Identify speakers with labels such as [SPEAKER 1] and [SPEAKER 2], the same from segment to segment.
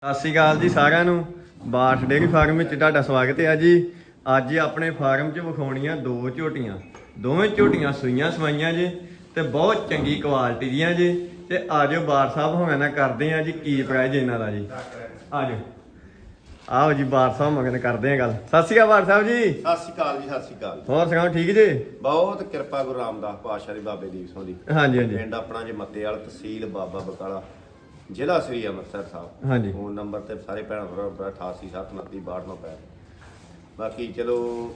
[SPEAKER 1] ਸਤਿ ਸ਼੍ਰੀ ਅਕਾਲ ਜੀ ਸਾਰਿਆਂ ਨੂੰ। ਬਾਠ ਡੇਅਰੀ ਫਾਰਮ ਵਿੱਚ ਤੁਹਾਡਾ ਸਵਾਗਤ ਹੈ ਜੀ। ਅੱਜ ਆਪਣੇ ਫਾਰਮ 'ਚ ਵਿਖਾਉਣੀਆਂ ਦੋ ਝੋਟੀਆਂ। ਦੋਵੇਂ ਝੋਟੀਆਂ ਸੂਈਆਂ ਸਵਾਈਆਂ ਜੀ ਤੇ ਬਹੁਤ ਚੰਗੀ ਕੁਆਲਿਟੀ ਦੀਆਂ ਜੀ। ਤੇ ਆਜੋ ਬਾਠ ਸਾਹਿਬ ਹੋਣਾ ਨਾ ਕਰਦੇ ਆ ਜੀ ਕੀ ਪ੍ਰਾਈਜ਼ ਇਹਨਾਂ ਦਾ ਜੀ। ਆਜੋ ਆਓ ਜੀ ਬਾਠ ਸਾਹਿਬ ਮਗਨ ਕਰਦੇ ਆ ਗੱਲ। ਸਤਿ ਸ਼੍ਰੀ ਅਕਾਲ ਬਾਠ ਸਾਹਿਬ ਜੀ।
[SPEAKER 2] ਸਤਿ ਸ਼੍ਰੀ ਅਕਾਲ ਜੀ, ਸਤਿ ਸ਼੍ਰੀ ਅਕਾਲ।
[SPEAKER 1] ਹੋਰ ਸੁਣਾਓ ਠੀਕ ਜੀ?
[SPEAKER 2] ਬਹੁਤ ਕਿਰਪਾ ਗੁਰੂ ਰਾਮਦਾਸ ਪਾਤਸ਼ਾਹ ਦੀ, ਬਾਬੇ ਦੀਪ ਸਿੰਘ ਦੀ।
[SPEAKER 1] ਹਾਂਜੀ ਹਾਂਜੀ।
[SPEAKER 2] ਪਿੰਡ ਆਪਣਾ ਜੀ ਮੱਤੇਵਾਲ, ਤਹਿਸੀਲ ਬਾਬਾ ਬਕਾਲਾ, ਜ਼ਿਲ੍ਹਾ ਸ੍ਰੀ ਅੰਮ੍ਰਿਤਸਰ ਸਾਹਿਬ।
[SPEAKER 1] ਹਾਂਜੀ।
[SPEAKER 2] ਫੋਨ ਨੰਬਰ ਤੇ ਸਾਰੇ ਭੈਣ ਭਰਾ 88793292 ਬਾਕੀ ਚਲੋ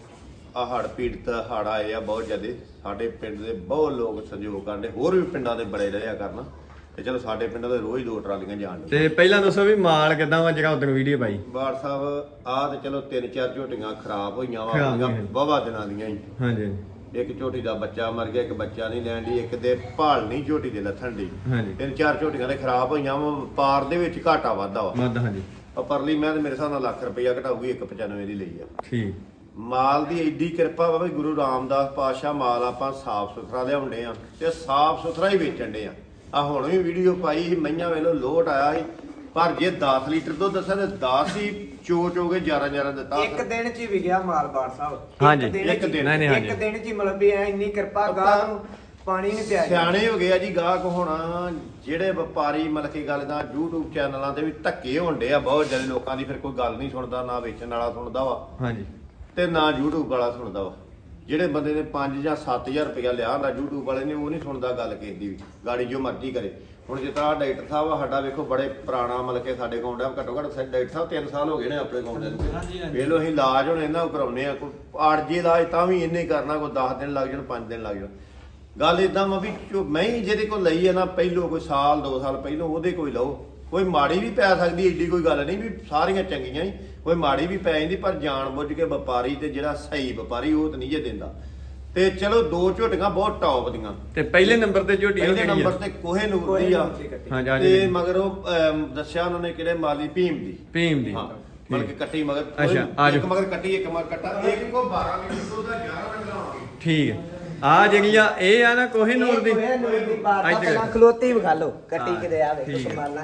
[SPEAKER 2] ਆ ਹੜ੍ਹ ਪੀੜਤ ਹੜ੍ਹ ਆਏ ਆ ਬਹੁਤ ਜ਼ਿਆਦੇ। ਸਾਡੇ ਪਿੰਡ ਦੇ ਬਹੁਤ ਲੋਕ ਸਹਿਯੋਗ ਕਰਦੇ, ਹੋਰ ਵੀ ਪਿੰਡਾਂ ਦੇ ਬੜੇ ਰਿਹਾ ਕਰਨ ਤੇ ਚਲੋ ਸਾਡੇ ਪਿੰਡਾਂ ਦੇ ਰੋਜ਼ 2 ਟਰਾਲੀਆਂ ਜਾਣ ਦੀਆਂ।
[SPEAKER 1] ਤੇ ਪਹਿਲਾਂ ਦੱਸੋ ਵੀ ਮਾਲ ਕਿਦਾਂ ਵਾ ਜਿਹੜਾ ਉਦੋਂ ਵੀਡੀਓ ਪਾਈ?
[SPEAKER 2] ਬਾਠ ਸਾਹਿਬ ਆ ਤੇ ਚਲੋ 3-4 ਝੋਟੀਆਂ ਖਰਾਬ ਹੋਈਆਂ
[SPEAKER 1] ਖਰਾਬ
[SPEAKER 2] ਵਾ,
[SPEAKER 1] ਹੋਈਆਂ।
[SPEAKER 2] ਵਾਹਵਾ ਦਿਨਾਂ ਦੀਆਂ ਹੀ।
[SPEAKER 1] ਹਾਂਜੀ
[SPEAKER 2] ਇੱਕ ਝੋਟੀ ਦਾ ਬੱਚਾ ਮਰ ਗਿਆ, ਇੱਕ ਬੱਚਾ ਨਹੀਂ ਲੈਣ ਦੀ, ਇੱਕ ਦੇ ਭਾਲ ਨਹੀਂ ਝੋਟੀ ਦੇ ਲੱਥਣ ਦੀ।
[SPEAKER 1] ਹਾਂਜੀ।
[SPEAKER 2] 3-4 ਝੋਟੀਆਂ ਦੇ ਖਰਾਬ ਹੋਈਆਂ ਵਾ। ਵਪਾਰ ਦੇ ਵਿੱਚ ਘਾਟਾ ਵਾਧਾ ਵਾ।
[SPEAKER 1] ਮੱਧ ਹਾਂਜੀ
[SPEAKER 2] ਉਹ ਪਰਲੀ ਮੈਂ ਤੇ ਮੇਰੇ ਹਿਸਾਬ ਨਾਲ ਲੱਖ ਰੁਪਈਆ ਘਟਾਊਗੀ, 195 ਦੀ ਲਈ ਆ।
[SPEAKER 1] ਠੀਕ।
[SPEAKER 2] ਮਾਲ ਦੀ ਐਡੀ ਕਿਰਪਾ ਵਾ ਵੀ ਗੁਰੂ ਰਾਮਦਾਸ ਪਾਤਸ਼ਾਹ ਮਾਲ ਆਪਾਂ ਸਾਫ਼ ਸੁਥਰਾ ਲਿਆਉਂਦੇ ਆ ਤੇ ਸਾਫ਼ ਸੁਥਰਾ ਹੀ ਵੇਚਣ ਦੇ ਆ ਹੁਣ ਵੀ ਵੀਡੀਓ ਪਾਈ ਸੀ, ਮਈਆਂ ਵੇਲੋ ਲੋਟ ਆਇਆ ਸੀ, ਪਰ ਜੇ 10 ਲੀਟਰ ਦੁੱਧ ਦੱਸਿਆ ਤੇ 10 ਹੀ ਚੋਚ ਹੋ ਗਏ, 11 ਦਿੱਤਾ।
[SPEAKER 3] ਇੱਕ ਦਿਨ ਚ ਹੀ ਵਿਗਿਆ ਮਾਲ ਬਾੜ ਸਾਹਿਬ।
[SPEAKER 1] ਹਾਂਜੀ।
[SPEAKER 2] ਇੱਕ ਦਿਨ।
[SPEAKER 1] ਨਹੀਂ ਨਹੀਂ
[SPEAKER 3] ਇੱਕ
[SPEAKER 1] ਹਾਂਜੀ
[SPEAKER 3] ਦਿਨ ਚ ਹੀ ਮਤਲਬ ਵੀ ਐ ਇੰਨੀ ਕਿਰਪਾ ਗਾਹ ਨੂੰ ਪਾਣੀ ਨਹੀਂ ਪਿਆ।
[SPEAKER 2] ਸਿਆਣੇ ਹੋ ਗਏ ਆ ਜੀ ਗਾਹਕ। ਹੁਣ ਜਿਹੜੇ ਵਪਾਰੀ ਮਤਲਬ ਕਿ ਗੱਲ ਦਾ YouTube ਚੈਨਲਾਂ ਤੇ ਵੀ ਧੱਕੇ ਹੁੰਦੇ ਆ ਬਹੁਤ ਜ਼ਿਆਦਾ ਲੋਕਾਂ ਦੀ, ਫਿਰ ਕੋਈ ਗੱਲ ਨਹੀਂ ਸੁਣਦਾ, ਨਾ ਵੇਚਣ ਵਾਲਾ ਸੁਣਦਾ ਵਾ
[SPEAKER 1] ਹਾਂਜੀ।
[SPEAKER 2] ਤੇ ਨਾ YouTube ਵਾਲਾ ਸੁਣਦਾ ਵਾ। ਜਿਹੜੇ ਬੰਦੇ ਨੇ 5 ਜਾਂ 7000 ਰੁਪਇਆ ਲਿਆ ਹੁੰਦਾ YouTube ਵਾਲੇ ਨੇ, ਉਹ ਨਹੀਂ ਸੁਣਦਾ ਗੱਲ ਕਿਸੇ ਦੀ ਵੀ, ਗਾੜੀ ਜੋ ਮਰਜ਼ੀ ਕਰੇ। ਹੁਣ ਜਿਸ ਤਰ੍ਹਾਂ ਡਾਕਟਰ ਸਾਹਿਬ ਆ ਸਾਡਾ, ਵੇਖੋ ਬੜੇ ਪੁਰਾਣਾ ਮਤਲਬ ਕਿ ਸਾਡੇ ਕੋਲ ਘੱਟੋ ਘੱਟ ਡਾਕਟਰ ਸਾਹਿਬ 3 ਸਾਲ ਹੋ ਗਏ ਨੇ ਆਪਣੇ ਕੋਲ ਦੇ। ਵੇਖ ਲਓ ਅਸੀਂ ਇਲਾਜ ਹੁਣ ਇਹਨਾਂ ਕਰਾਉਨੇ ਆ, ਕੋਈ ਆਰਜੀ ਇਲਾਜ ਤਾਂ ਵੀ ਇਹਨੇ ਕਰਨਾ, ਕੋਈ 10 ਦਿਨ ਲੱਗ ਜਾਣ, 5 ਦਿਨ ਲੱਗ ਜਾਣ। ਗੱਲ ਇਦਾਂ ਵਾ ਵੀ ਮੈਂ ਹੀ ਜਿਹਦੇ ਕੋਲ ਲਈ ਹੈ ਨਾ ਪਹਿਲੋਂ, ਕੋਈ ਸਾਲ 2 ਸਾਲ ਪਹਿਲੋਂ ਉਹਦੇ ਕੋਈ ਲਓ। ਕੋਈ ਮਾੜੀ ਵੀ ਪੈ ਸਕਦੀ, ਏਡੀ ਕੋਈ ਗੱਲ ਨਹੀਂ ਵੀ ਸਾਰੀਆਂ ਚੰਗੀਆਂ ਹੀ, ਕੋਈ ਮਾੜੀ ਵੀ ਪੈ ਜਾਂਦੀ, ਪਰ ਜਾਣ ਬੁੱਝ ਕੇ ਵਪਾਰੀ ਤੇ ਜਿਹੜਾ ਸਹੀ ਵਪਾਰੀ ਉਹ ਤਾਂ ਨਹੀਂ ਜੇ ਦਿੰਦਾ। ਤੇ ਚਲੋ 2 ਝੋਟੀਆਂ ਬਹੁਤ ਟੌਪ ਦੀਆਂ।
[SPEAKER 1] ਤੇ ਪਹਿਲੇ ਨੰਬਰ ਤੇ ਝੋਟੀ
[SPEAKER 2] ਪਹਿਲੇ ਨੰਬਰ ਤੇ ਕੋਹੇ ਨੂਰ ਦੀ ਆ।
[SPEAKER 1] ਹਾਂਜੀ
[SPEAKER 2] ਤੇ
[SPEAKER 1] ਹਾਂਜੀ।
[SPEAKER 2] ਮਗਰ ਉਹ ਦੱਸਿਆ ਉਹਨਾਂ ਨੇ ਕਿਹੜੇ ਮਾਲੀ ਭੀਮ ਦੀ।
[SPEAKER 1] ਭੀਮ ਦੀ।
[SPEAKER 2] ਹਾਂ ਮਤਲਬ ਕਿ ਕੱਟੀ ਮਗਰ।
[SPEAKER 1] ਅੱਛਾ, ਆ ਜਾਓ।
[SPEAKER 2] ਇੱਕ ਮਗਰ ਕੱਟੀ, ਇੱਕ ਮਗਰ ਕੱਟਾ, ਇੱਕ ਕੋ 12 ਲੀਟਰ ਦੁੱਧ ਦਾ 11 ਰੰਗਾਂ ਆਉਣਗੇ।
[SPEAKER 1] ਠੀਕ ਹੈ। ਆ ਜਿਹੜੀ ਆ ਇਹ ਆ ਨਾ ਕੋਹੇ ਨੂਰ ਦੀ।
[SPEAKER 3] ਕੋਹੇ ਨੂਰ ਦੀ ਬਾੜ
[SPEAKER 1] ਇੱਧਰ।
[SPEAKER 3] ਪਹਿਲਾਂ ਖਲੋਤੀ ਵਿਖਾ ਲਓ ਕੱਟੀ
[SPEAKER 1] ਹਾਂ,
[SPEAKER 3] ਕਿਤੇ ਆ
[SPEAKER 1] ਠੀਕ
[SPEAKER 3] ਵੇਖੋ
[SPEAKER 1] ਹੈ।
[SPEAKER 3] ਸੰਭਾਲਣਾ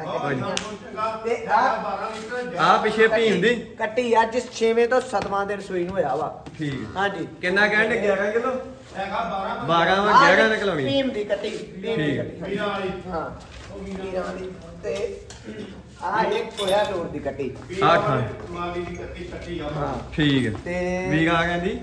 [SPEAKER 2] ਤੇ
[SPEAKER 3] ਤੇ
[SPEAKER 2] ਆ
[SPEAKER 3] ਆ
[SPEAKER 2] 12 ਲੀਟਰ
[SPEAKER 1] ਆ ਪਿਛੇ ਭੀਮ ਦੀ।
[SPEAKER 3] ਕੱਟੀ ਅੱਜ 6ਵੇਂ ਤੋਂ 7ਵਾਂ ਦਿਨ ਸੂਈ ਨੂੰ ਹੋਇਆ ਵਾ।
[SPEAKER 1] ਠੀਕ ਹੈ।
[SPEAKER 3] ਹਾਂਜੀ।
[SPEAKER 1] ਕਿੰਨਾ ਕਹਿੰਦੇ 11 ਕਿਲੋ?
[SPEAKER 2] ਹੈਗਾ
[SPEAKER 1] 12 ਵਾ 11 ਨਿਕਲਾਉਣੀ।
[SPEAKER 3] ਭੀਮ ਦੀ ਕੱਟੀ, ਭੀਮ ਦੀ
[SPEAKER 1] ਠੀਕ।
[SPEAKER 3] ਕੱਟੀ।
[SPEAKER 2] ਵੀਰਾਂ ਵਾਲੀ।
[SPEAKER 3] ਹਾਂ ਵੀਰਾਂ ਵਾਲੀ। ਤੇ ਆ ਇੱਕ ਕੋਇਆ ਨੂਰ ਦੀ ਕੱਟੀ।
[SPEAKER 1] ਆ ਖਾਂ।
[SPEAKER 2] ਮਾਲੀ ਦੀ ਕੱਟੀ ਕੱਟੀ ਆ।
[SPEAKER 3] ਹਾਂ
[SPEAKER 1] ਠੀਕ ਹੈ।
[SPEAKER 3] ਤੇ
[SPEAKER 1] ਵੀਗਾ ਕਹਿੰਦੀ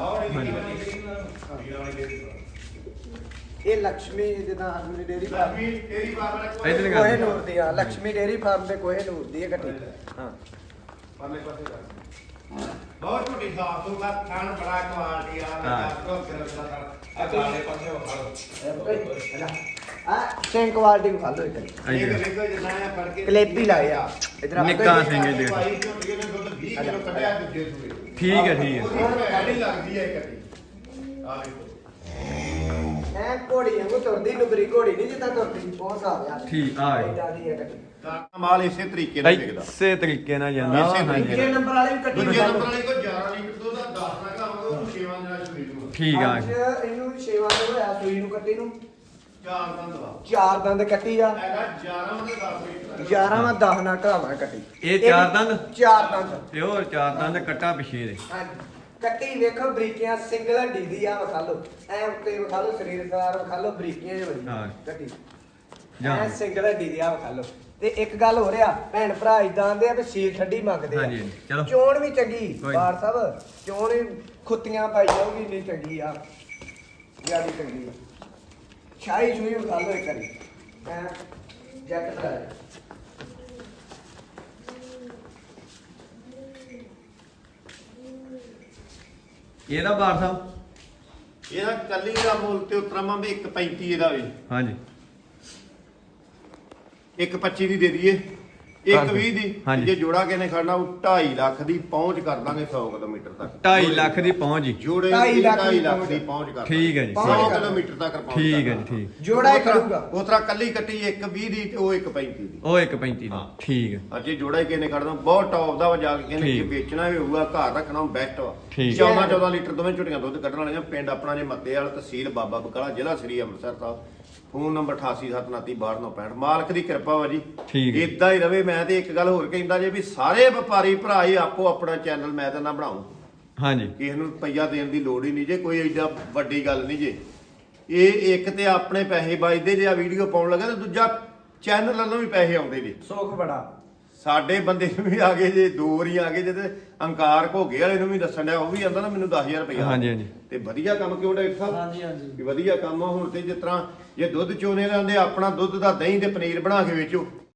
[SPEAKER 3] ਇਹ ਲక్ష్ਮੀ ਜਿੱਦਾਂ ਅਗਨੀ ਡੇਰੀ ਫਾਰਮ
[SPEAKER 2] ਤੇਰੀ ਬਾਰ ਵਾਲਾ
[SPEAKER 1] ਇੱਧਰ ਕਰ।
[SPEAKER 3] ਕੋਹੇ ਨੂਰ ਦੀ ਆ, ਲక్ష్ਮੀ ਡੇਰੀ ਫਾਰਮ ਦੇ ਕੋਹੇ ਨੂਰ ਦੀ ਹੈ ਕੱਟੀ। ਹਾਂ
[SPEAKER 2] ਪਰਲੇ ਪਾਸੇ ਕਰ। ਬਹੁਤ ਛੋਟੀ ਸਾਫ ਤੋਂ ਬਾਅਦ ਖਾਣ ਬੜਾ ਕੁਆਲਿਟੀ ਆ।
[SPEAKER 1] ਹਾਂ।
[SPEAKER 2] ਆ ਕਾਲੇ ਪਾਸੇ ਉਹ ਖੜੋ।
[SPEAKER 3] ਆ ਸਿੰਘ ਕੁਆਲਿਟੀ ਵਿਖਾ ਲਓ ਇੱਕ।
[SPEAKER 2] ਇਹ ਵੇਖੋ ਜਿੰਨਾ ਆ ਫੜ ਕੇ
[SPEAKER 3] ਕਲੇਪੀ ਲਾਏ ਆ ਇਧਰ
[SPEAKER 1] ਨਿੱਕਾ ਸਿੰਘ ਇਹਦੇ।
[SPEAKER 2] ਭਾਈ ਝੋਟੀਏ ਨੇ ਦੁੱਧ 20 ਕਿਲੋ ਕੱਢਿਆ ਦੂਜੇ ਸੂਏ।
[SPEAKER 1] ਠੀਕ ਹੈ ਠੀਕ ਹੈ।
[SPEAKER 2] ਉਹਦੀ ਭੈੜੀ ਲੱਗਦੀ ਹੈ ਇਹ ਕੱਟੀ। ਆ ਵੇਖੋ।
[SPEAKER 3] ਐ ਘੋੜੀ ਵਾਂਗੂ ਤੁਰਦੀ, ਨੁਗਰੀ ਘੋੜੀ ਨਹੀਂ ਜਿੱਦਾਂ ਤੁਰਦੀ, ਉਹ ਹਿਸਾਬ ਆ।
[SPEAKER 1] ਠੀਕ ਆ
[SPEAKER 3] ਏਦਾਂ ਦੀ ਹੈ ਕੱਟੀ।
[SPEAKER 2] ਤਾਂ ਮਾਲ ਇਸੇ ਤਰੀਕੇ ਨਾਲ ਵਿਕਦਾ।
[SPEAKER 1] ਇਸੇ ਤਰੀਕੇ ਨਾਲ ਜਾਂਦਾ ਵਾ।
[SPEAKER 2] ਇਸੇ
[SPEAKER 1] ਹਾਂਜੀ
[SPEAKER 3] ਦੂਜੇ ਨੰਬਰ ਵਾਲੀ ਵੀ ਕੱਟੀ
[SPEAKER 2] ਦੂਜੇ
[SPEAKER 3] ਵਿਖਾ
[SPEAKER 2] ਨੰਬਰ
[SPEAKER 3] ਲਓ।
[SPEAKER 2] ਵਾਲੀ ਕੋ 11 ਲੀਟਰ ਦੁੱਧ ਦਾ 10 ਨਾ ਕਰਾਂਗੇ, ਉਹ 6 ਨਾਲ ਸੂਈ ਨੂੰ।
[SPEAKER 1] ਠੀਕ ਆ।
[SPEAKER 3] ਅੱਜ ਇਹਨੂੰ 6ਵਾਂ ਦਿਨ ਹੋਇਆ ਸੂਈ ਨੂੰ ਕੱਟੀ ਨੂੰ।
[SPEAKER 2] 4 ਦੰਦ ਵਾ।
[SPEAKER 3] 4 ਦੰਦ ਕੱਟੀ ਆ।
[SPEAKER 2] ਹੈਗਾ 11 ਤੇ 10 ਲੀਟਰ।
[SPEAKER 3] 11ਵਾਂ 10 ਨਾਲ ਘਾਵਾਂ ਕੱਟੀ।
[SPEAKER 1] ਇਹ 4 ਦੰਦ?
[SPEAKER 3] 4 ਦੰਦ।
[SPEAKER 1] ਤੇ ਹੋਰ 4 ਦੰਦ ਕੱਟਾ ਪਿਛੇ ਦੇ।
[SPEAKER 3] ਹਾਂਜੀ। ਕੱਟੀ ਵੇਖੋ ਬਰੀਕੀਆਂ ਸਿੰਗਲ ਹੱਡੀ ਦੀ ਆ, ਵਿਖਾ ਲਓ ਐ ਉੱਤੇ ਵਿਖਾ ਲਓ, ਸਰੀਰ ਸਾਰ ਵਿਖਾ ਲਓ, ਬਰੀਕੀਆਂ ਜਿਹਾ ਬੜੀ
[SPEAKER 1] ਹਾਂ।
[SPEAKER 3] ਕੱਟੀ
[SPEAKER 1] ਜਾਂ।
[SPEAKER 3] ਐ ਸਿੰਗਲ ਹੱਡੀ ਦੀ ਆ, ਵਿਖਾ ਲਓ। ਤੇ ਇੱਕ ਗੱਲ ਹੋ ਰਿਹਾ, ਭੈਣ ਭਰਾ ਇਦਾਂ ਆਂਦੇ ਆ ਵੀ ਸੀਲ ਠੰਡੀ ਮੰਗਦੇ ਆ।
[SPEAKER 1] ਹਾਂਜੀ, ਚਲੋ।
[SPEAKER 3] ਚੋਣ ਵੀ ਚੰਗੀ
[SPEAKER 1] ਕੋਈ
[SPEAKER 3] ਬਾਰ ਸਾਹਿਬ, ਚੋਣ ਵੀ ਖੁੱਤੀਆਂ ਪਾਈ ਜਾਊਗੀ, ਨਹੀਂ ਚੰਗੀ ਆ, ਜਿਆਦੀ ਚੰਗੀ ਆ। ਛਾਈ ਛੂਈ ਵਿਖਾ ਲਓ ਇੱਕ ਵਾਰੀ ਐ ਜੈਕਟ ਲਾ।
[SPEAKER 1] ਇਹਦਾ ਬਾਰ ਸਾਹਿਬ?
[SPEAKER 2] ਇਹਦਾ ਕੱਲੀ ਦਾ ਮੁੱਲ ਤੇ ਉਤਰਾਵਾਂ ਵੀ 1.35 ਇਹਦਾ ਵੀ।
[SPEAKER 1] ਹਾਂਜੀ।
[SPEAKER 2] 1.25 ਦੀ ਦੇ ਦਈਏ, 1.20 ਦੀ।
[SPEAKER 1] ਹਾਂਜੀ।
[SPEAKER 2] ਜੇ ਜੋੜਾ ਕਿਨੇ ਖੜਨਾ ਉਹ 2.5 ਲੱਖ ਦੀ ਪਹੁੰਚ ਕਰ ਦਾਂਗੇ 100 ਕਿਲੋਮੀਟਰ ਤੱਕ।
[SPEAKER 1] 2.5 ਲੱਖ ਦੀ ਪਹੁੰਚ ਜੀ।
[SPEAKER 2] ਜੋੜੇ
[SPEAKER 3] 2.5 ਲੱਖ
[SPEAKER 2] 2.5 ਲੱਖ ਦੀ ਪਹੁੰਚ ਕਰ
[SPEAKER 1] ਠੀਕ ਹੈ ਜੀ।
[SPEAKER 2] 100 ਕਿਲੋਮੀਟਰ ਤੱਕ ਪਹੁੰਚ
[SPEAKER 1] ਠੀਕ ਹੈ ਜੀ।
[SPEAKER 2] ਕਰਦਾ।
[SPEAKER 1] ਠੀਕ।
[SPEAKER 3] ਜੋੜਾ ਹੀ ਖੜੂਗਾ।
[SPEAKER 2] ਉਤਰਾ ਕੱਲੀ ਕੱਟੀ 1.20 ਦੀ ਤੇ ਉਹ 1.35 ਦੀ।
[SPEAKER 1] ਉਹ 1.35 ਦੀ।
[SPEAKER 2] ਹਾਂ।
[SPEAKER 1] ਠੀਕ ਹੈ।
[SPEAKER 2] ਅਜੇ ਜੋੜਾ ਹੀ ਕਿਨੇ ਖੜਨਾ ਬਹੁਤ ਟੌਪ ਦਾ ਵਾ, ਜਾ ਕੇ ਕਿਨੇ
[SPEAKER 1] ਠੀਕ।
[SPEAKER 2] ਵੇਚਣਾ ਵੀ ਹੋਊਗਾ, ਘਰ ਰੱਖਣਾ ਬੈਸਟ ਵਾ।
[SPEAKER 1] ਠੀਕ।
[SPEAKER 2] 14 ਲੀਟਰ ਦੋਵੇਂ ਝੁੱਟੀਆਂ ਦੁੱਧ ਕੱਢਣ ਵਾਲੀਆਂ। ਪਿੰਡ ਆਪਣਾ ਜੇ ਮੱਤੇਵਾਲ, ਤਹਿਸੀਲ ਬਾਬਾ ਬਕਾਲਾ, ਜ਼ਿਲ੍ਹਾ ਸ੍ਰੀ ਅੰਮ੍ਰਿਤਸਰ ਸਾਹਿਬ। ਫੋਨ ਨੰਬਰ 8879326965 ਮਾਲਕ ਦੀ ਕਿਰਪਾ ਵਾ ਜੀ
[SPEAKER 1] ਠੀਕ ਹੈ।
[SPEAKER 2] ਇਦਾਂ ਹੀ ਰਵੇ। ਮੈਂ ਤੇ ਇੱਕ ਗੱਲ ਹੋਰ ਕਹਿੰਦਾ ਜੇ ਵੀ ਸਾਰੇ ਵਪਾਰੀ ਭਰਾ ਹੀ ਆਪੋ ਆਪਣਾ ਚੈਨਲ ਮੈਂ ਤਾਂ ਨਾ ਬਣਾਉ,
[SPEAKER 1] ਹਾਂਜੀ
[SPEAKER 2] ਕਿਸੇ ਨੂੰ ਰੁਪਈਆ ਦੇਣ ਦੀ ਲੋੜ ਹੀ ਨਹੀਂ ਜੇ, ਕੋਈ ਏਡਾ ਵੱਡੀ ਗੱਲ ਨਹੀਂ ਜੇ। ਇਹ ਇੱਕ ਤੇ ਆਪਣੇ ਪੈਸੇ ਬਚਦੇ ਜੇ ਆ ਵੀਡੀਓ ਪਾਉਣ ਲੱਗਾ, ਤੇ ਦੂਜਾ ਚੈਨਲ ਵੱਲੋਂ ਵੀ ਪੈਸੇ ਆਉਂਦੇ ਜੀ।
[SPEAKER 3] ਸੁੱਖ ਬੜਾ
[SPEAKER 2] ਸਾਡੇ ਬੰਦੇ ਨੂੰ ਵੀ ਆ ਗਏ ਜੇ, 2 ਵਾਰੀ ਆ ਗਏ ਜੇ, ਤੇ ਅੰਕਾਰ ਘੋਗੇ ਵਾਲੇ ਨੂੰ ਵੀ ਦੱਸਣ ਡਿਆ, ਉਹ ਵੀ ਆਂਦਾ ਨਾ ਮੈਨੂੰ 10,000 ਰੁਪਇਆ।
[SPEAKER 1] ਹਾਂਜੀ ਹਾਂਜੀ
[SPEAKER 2] ਤੇ ਵਧੀਆ ਕੰਮ ਕਿਉਂ ਡਾਕਟਰ ਸਾਹਿਬ?
[SPEAKER 3] ਹਾਂਜੀ ਹਾਂਜੀ
[SPEAKER 2] ਵੀ ਵਧੀਆ ਕੰਮ ਆ। ਹੁਣ ਤੇ ਜਿਸ ਤਰ੍ਹਾਂ ਜੇ ਦੁੱਧ ਚੋਣੇ ਲੈਂਦੇ ਆਪਣਾ ਦੁੱਧ ਦਾ ਦਹੀਂ ਤੇ ਪਨੀਰ ਬਣਾ ਕੇ ਵੇਚੋ,